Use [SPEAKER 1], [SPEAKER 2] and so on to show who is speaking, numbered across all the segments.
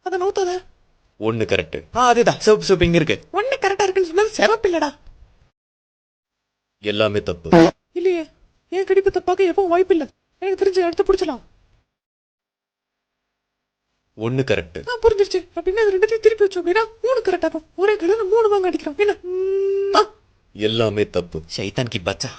[SPEAKER 1] அதை நவுத்தாத.
[SPEAKER 2] ஒண்ணு கரெக்ட். அதேதான், சிவப்பு சிவப்பு இங்க இருக்கு.
[SPEAKER 1] ஒண்ணு கரெக்டா இருக்குன்னு சொன்னது சிவப்பு இல்லடா.
[SPEAKER 2] எல்லாமே தப்பு.
[SPEAKER 1] இல்லையே, ஏன் கடிப்பு தப்பாக்க எப்பவும் வாய்ப்பு இல்ல. எனக்கு தெரிஞ்சு எடுத்து பிடிச்சலாம்.
[SPEAKER 2] ஒண்ணு கரெக்ட்.
[SPEAKER 1] புரிஞ்சிருச்சு. அப்படின்னா அது ரெண்டுத்தையும் திருப்பி வச்சோம் அப்படின்னா 3 கரெக்டா இருக்கும். ஒரே கலர்ல 3 வாங்க அடிக்கிறோம். என்ன?
[SPEAKER 2] எல்லாமே தப்பு.
[SPEAKER 3] சைத்தான் கி பச்சா.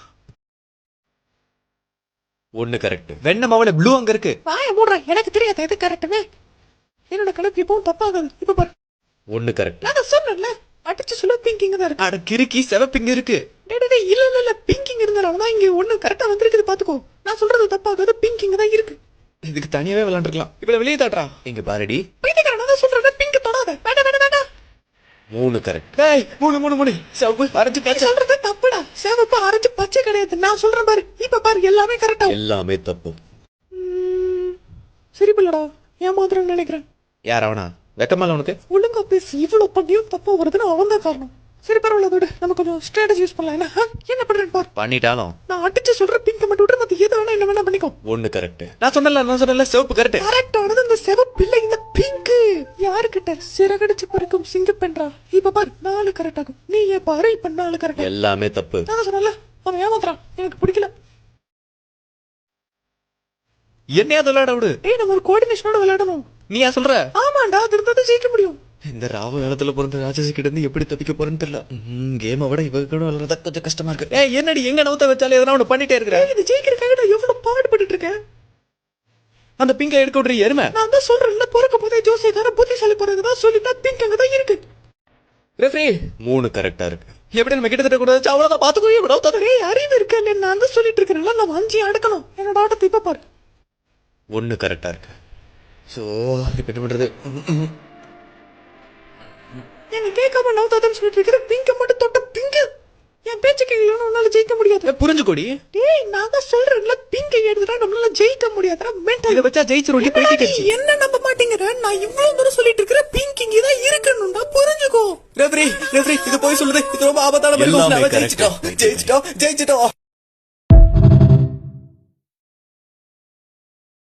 [SPEAKER 2] ஒண்ணு கரெக்ட்.
[SPEAKER 3] வெண்ண மாவுல ப்ளூ அங்க இருக்கு.
[SPEAKER 1] வாய மூடுறா, எனக்கு தெரியாது எது கரெக்டுன்னு. என்னோட கணக்கு எப்பவும் தப்பாகாது. இப்ப பாரு.
[SPEAKER 2] ஒண்ணு கரெக்ட்.
[SPEAKER 1] நான் சொன்னேன்ல, அடிச்சு சொல்ல பிங்கிங் தான் இருக்கு.
[SPEAKER 3] அட கிறுக்கி, சிவப்பு இங்க இருக்கு.
[SPEAKER 1] இல்ல பிங்கிங் இருந்தாலும் இங்க ஒண்ணு கரெக்டா வந்திருக்குது பாத்துக்கோ. நான் சொல்றது தப்பாகாது, பிங்கிங் தான் இருக்கு.
[SPEAKER 3] இதுக்கு தனியாவே விளையாண்டுருக்கலாம். இப்ப வெளியே தாட்றா. இங்க பாருடி.
[SPEAKER 1] பைத்தியக்காரன், நான் சொல்றேன் பிங்க் தொடாத. வேண்டாம்.
[SPEAKER 2] 3 கரெக்ட்.
[SPEAKER 3] டேய், 3 சிவப்பு ஆரஞ்சு
[SPEAKER 1] நீ
[SPEAKER 3] பச்சை.
[SPEAKER 1] சொல்றது தப்புடா. சிவப்பு ஆரஞ்சு பச்சை கிடையாது. நான் சொல்றேன் பாரு. இப்ப பாரு, எல்லாமே கரெக்டா.
[SPEAKER 2] எல்லாமே தப்பு.
[SPEAKER 1] சரி பிள்ளடா, ஏமாத்துறேன்னு நினைக்கிறேன்.
[SPEAKER 3] யார் அவனா? வெக்கமால உனக்கு?
[SPEAKER 1] ஒழுங்கா பேசி இவ்வளவு பண்ணியும் தப்பா வருதுன்னு அவன் தான் காரணம். சரி பரவாயில்ல, அதோட நம்ம கொஞ்சம் ஸ்ட்ராட்டஜி யூஸ் பண்ணலாம். என்ன பண்றேன்னு பாரு.
[SPEAKER 3] பண்ணிட்டாலும்
[SPEAKER 1] நான் அடிச்சு சொல்ற பிங்க மட்டும் விட்டு மத்த எது வேணா என்ன வேணா பண்ணிக்கோ.
[SPEAKER 2] ஒண்ணு கரெக்ட்.
[SPEAKER 3] நான் சொன்னல சிவப்பு கரெக்ட்.
[SPEAKER 1] கரெக்டானது இந்த சிவப்பு இல்ல, இந்த பிங்க். யாருக்கிட்ட சிறகடிச்சு பறிக்கும் சிங்கப்பென்றா. இப்ப பாரு, 4 கரெக்ட் ஆகும். நீ ஏன் பாரு, இப்ப 4 கரெக்ட்.
[SPEAKER 2] எல்லாமே தப்பு.
[SPEAKER 1] நான் சொன்னல, அவன் ஏமாத்துறான். எனக்கு பிடிக்கல.
[SPEAKER 3] என்னையா விளையாட விடு.
[SPEAKER 1] நம்ம ஒரு கோஆர்டினேஷனோட விளையாடணும்.
[SPEAKER 3] நீ ஏன் சொல்ற?
[SPEAKER 1] ஆமாண்டா, அது இருந்தா ஜெயிக்க முடியும்.
[SPEAKER 3] இந்த ராவ காலத்துல பிறந்த ராட்சசி கிட்ட இருந்து எப்படி தப்பிக்க போறேன்னு தெரியல. கேமை விட இவ கூட விளையாடுறதா கொஞ்சம் கஷ்டமா இருக்கு. என்னடி எங்க நவுத்த வச்சாலே எதனா ஒண்ணு பண்ணிட்டே இருக்கிற.
[SPEAKER 1] இது ஜெயிக்கிறதுக்காக நான் எவ்வளவு பாடுபட்டு இருக்கேன்.
[SPEAKER 3] அந்த பிங்க எடுக்க விடுற எருமை.
[SPEAKER 1] நான் தான் சொல்றேன்ல, பிறக்க போதே ஜோசியக்கார புத்திசாலி பிறகுதான் சொல்லிட்டா பிங்க் அங்கதான் இருக்கு.
[SPEAKER 3] ரெஃப்ரி
[SPEAKER 2] 3 கரெக்டா இருக்கு.
[SPEAKER 3] எப்படி நம்ம கிட்டத்தட்ட கூட அவ்வளவுதான் பாத்துக்கோ.
[SPEAKER 1] நவுத்தாதே, அறிவு இருக்கா இல்ல? நான் தான் சொல்லிட்டு இருக்கேன்ல, நம்ம 5 அடக்கணும். என்னோட ஆட்டத்தை இப்ப பாரு.
[SPEAKER 2] ஒண்ணு கரெக்டா இருக்கு.
[SPEAKER 3] சோ இப்ப என்ன பண்றது?
[SPEAKER 1] என்ன கேட்காம நவுத்தாதன்னு சொல்லிட்டு இருக்கிற. பிங்க மட்டும் தொட்ட பிங்க. என் பேச்சு கேட்கலன்னு உன்னால ஜெயிக்க முடியாது.
[SPEAKER 3] புரிஞ்சுக்கோடி.
[SPEAKER 1] டேய், நான் தான் சொல்றேன்ல, பிங்க எடுத்துட்டா நம்மளால ஜெயிக்க முடியாதுடா.
[SPEAKER 3] இத வச்சா ஜெயிச்சு ரொட்டி போயிட்டு
[SPEAKER 1] என்ன நம்ப மாட்டேங்கிற? நான் இவ்வளவு தூரம் சொல்லிட்டு இருக்கிற பிங்க் இங்க தான் இருக்கணும்டா, புரிஞ்சுக்கோ.
[SPEAKER 3] ரெஃப்ரி இது போய் சொல்லுது. இது ரொம்ப ஆபத்தான
[SPEAKER 2] எல்லாமே
[SPEAKER 3] ஜெயிச்சிட்டோம்.